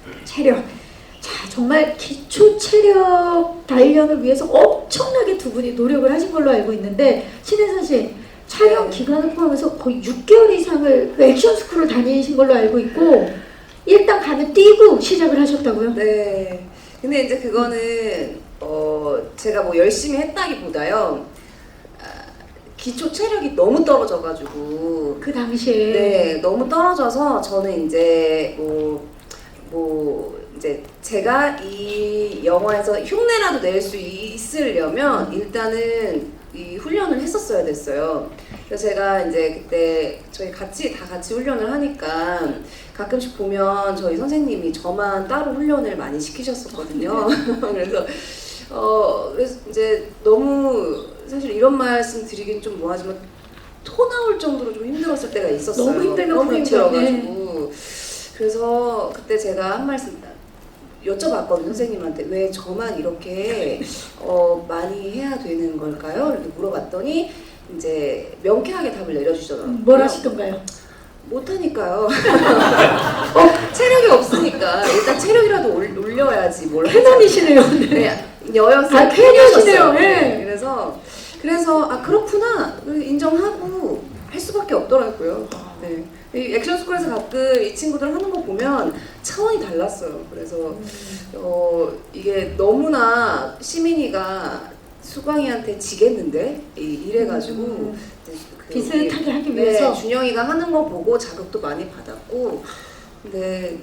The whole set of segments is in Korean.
체력. 자, 정말 기초 체력 단련을 위해서 엄청나게 두 분이 노력을 하신 걸로 알고 있는데, 신혜선 씨 촬영 기간을 포함해서 거의 6개월 이상을 그 액션 스쿨을 다니신 걸로 알고 있고, 일단 가면 뛰고 시작을 하셨다고요? 네. 근데 이제 그거는 제가 뭐 열심히 했다기보다요. 기초 체력이 너무 떨어져가지고 그 당시에. 네, 너무 떨어져서 저는 이제 이제 제가 이 영화에서 흉내라도 낼 수 있으려면 일단은 이 훈련을 했었어야 됐어요. 그래서 제가 이제 그때 저희 다 같이 훈련을 하니까 가끔씩 보면 저희 선생님이 저만 따로 훈련을 많이 시키셨었거든요. 그래서 이제 너무 사실 이런 말씀 드리긴 좀 뭐하지만 토 나올 정도로 좀 힘들었을 때가 있었어요. 너무 힘들면 너무 그렇죠. 힘들어가지고. 그래서 그때 제가 한 말씀 여쭤봤거든요, 선생님한테. 왜 저만 이렇게 많이 해야 되는 걸까요? 이렇게 물어봤더니 이제 명쾌하게 답을 내려주시더라고요. 뭘 하시던가요? 못하니까요. 체력이 없으니까 일단 체력이라도 올려야지 뭘 캐논이시네요. 네, 여연생 아, 캐논이시네요. 네. 그래서 아 그렇구나 인정하고 할 수밖에 없더라고요. 네. 이 액션 스쿨에서 가끔 이 친구들 하는 거 보면 차원이 달랐어요. 그래서 이게 너무나 시민이가 수광이한테 지겠는데 이래가지고 비슷하게 하기 위해서. 네, 준영이가 하는 거 보고 자극도 많이 받았고 네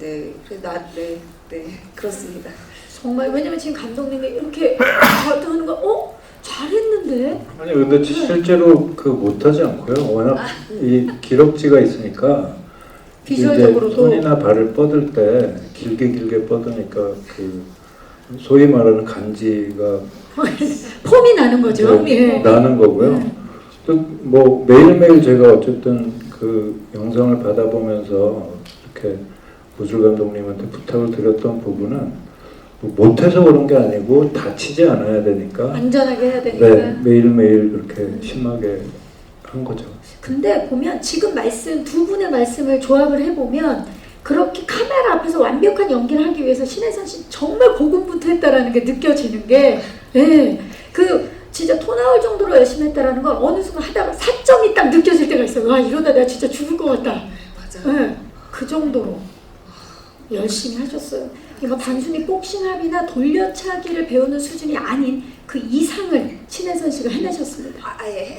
그렇습니다. 정말 왜냐면 지금 감독님이 이렇게 하는 거 잘했는데? 아니 근데 실제로 그 못하지 않고요. 워낙 이 기럭지가 있으니까 비주얼적으로도 이제 손이나 발을 뻗을 때 길게 뻗으니까 그 소위 말하는 간지가 폼이 나는 거죠. 네, 예. 나는 거고요. 또 뭐 매일매일 제가 어쨌든 그 영상을 받아보면서 이렇게 구슬 감독님한테 부탁을 드렸던 부분은 못해서 그런 게 아니고 다치지 않아야 되니까 안전하게 해야 되니까. 네, 매일매일 그렇게 심하게 한 거죠. 근데 보면 지금 두 분의 말씀을 조합을 해보면 그렇게 카메라 앞에서 완벽한 연기를 하기 위해서 신혜선 씨 정말 고군분투했다라는 게 느껴지는 게, 예, 그 진짜 토 나올 정도로 열심히 했다라는 건 어느 순간 하다가 사점이 딱 느껴질 때가 있어요. 와, 이러다 내가 진짜 죽을 것 같다. 맞아요. 예, 그 정도로 열심히 하셨어요. 이거 단순히 복싱합이나 돌려차기를 배우는 수준이 아닌 그 이상을 신혜선 씨가 해내셨습니다.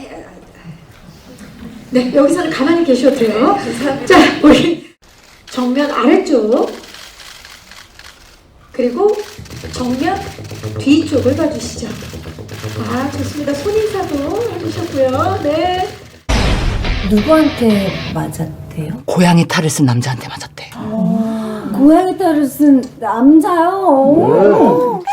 네, 여기서는 가만히 계셔도 돼요. 자, 우리 정면 아래쪽 그리고 정면 뒤쪽을 봐주시죠. 아, 좋습니다. 손인사도 해주셨고요. 네. 누구한테 맞았대요? 고양이 탈을 쓴 남자한테 맞았대. 고양이 탈을 쓴 남자요?